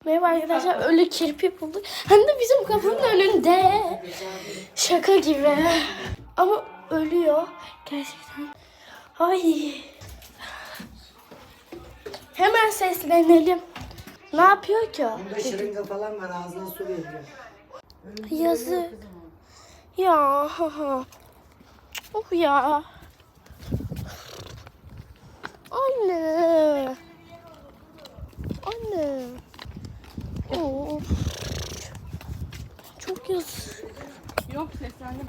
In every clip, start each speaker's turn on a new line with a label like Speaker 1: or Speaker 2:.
Speaker 1: Merhaba arkadaşlar, ölü kirpi bulduk. Hem de bizim kapının önünde. Şaka gibi. Ama ölüyor. Gerçekten. Ay. Hemen seslenelim. Ne yapıyor ki o?
Speaker 2: Bunda şırınga falan var, ağzına su veriyor.
Speaker 1: Yazık. Ya. Ha. Oh ya. Anne. Anne. Of. Çok yazık.
Speaker 3: Yok seslendim.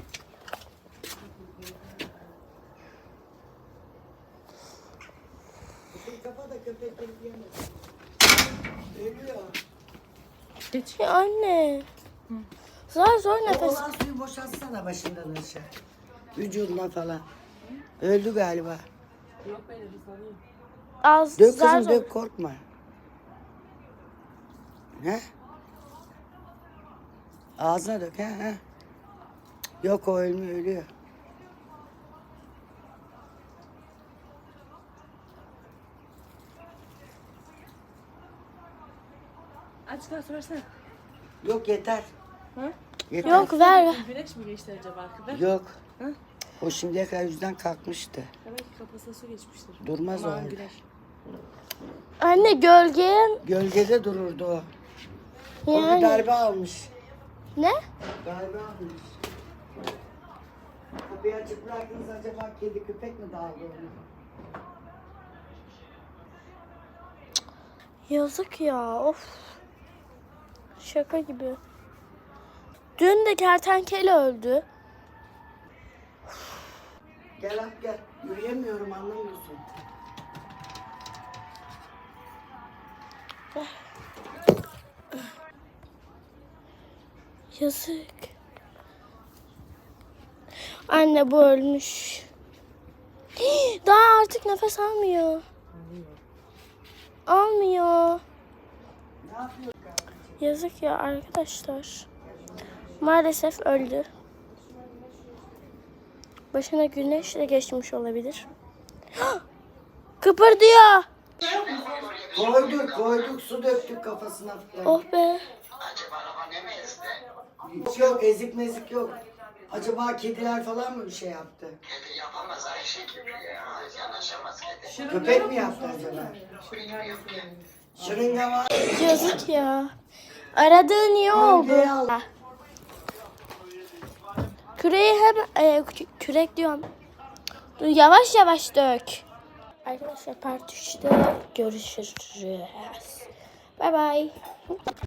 Speaker 2: Kafa da köpekleri yemez. Ölüyor.
Speaker 3: Geç.
Speaker 1: Ya anne. Zor
Speaker 2: O
Speaker 1: nefes.
Speaker 2: olan suyu boşaltsana başından aşağı. Vücuduna falan. Öldü galiba.
Speaker 3: Yok böyle bir sanıyorum.
Speaker 1: Az
Speaker 2: Dök
Speaker 1: zar
Speaker 2: kızım
Speaker 1: zor.
Speaker 2: dök, korkma. He? Ağzına dök he. Yok, o ölmüyor, ölüyor.
Speaker 3: Aç kalsı versene.
Speaker 2: Yok, yeter.
Speaker 3: Ha?
Speaker 2: Yeter.
Speaker 1: Yok ver.
Speaker 3: Güneş mi geçti acaba? Ver.
Speaker 2: Yok.
Speaker 3: Hı?
Speaker 2: O şimdiye kadar yüzden kalkmıştı.
Speaker 3: Demek ki kafasına su geçmiştir.
Speaker 2: Durmaz o
Speaker 3: Aman
Speaker 2: halde.
Speaker 3: güneş.
Speaker 1: Anne gölge.
Speaker 2: Gölgede dururdu o. O bir
Speaker 1: Yani.
Speaker 2: darbe almış.
Speaker 1: Ne?
Speaker 2: Darbe almış. Kapıyı açık bıraktınız, acaba kedi köpek mi dağıldı onu?
Speaker 1: Yazık ya. Of. Şaka gibi. Dün de kertenkele öldü.
Speaker 2: Gel at gel. Yürüyemiyorum, anlamıyorsun.
Speaker 1: Yazık. Anne bu ölmüş. Daha artık nefes almıyor. Almıyor.
Speaker 2: Ne yapıyorsun?
Speaker 1: Yazık ya arkadaşlar. Maalesef öldü. Başına güneşle geçmiş olabilir. Kıpırdıyor.
Speaker 2: Koyduk, su döktük kafasına falan.
Speaker 1: Oh be.
Speaker 2: Hiç yok, ezik mezik yok. Acaba kediler falan mı bir şey yaptı?
Speaker 4: Kedi yapamaz Ayşe gibi ya. Yanaşamaz kedi.
Speaker 2: Köpek mi yaptı acaba? Şırınga var.
Speaker 1: Yazık ya. Aradığın iyi oldu.
Speaker 2: Gölgeye al.
Speaker 1: Küreği kürek diyorum. Dur, yavaş yavaş dök. Arkadaşlar part 3'te görüşürüz. Bye bye.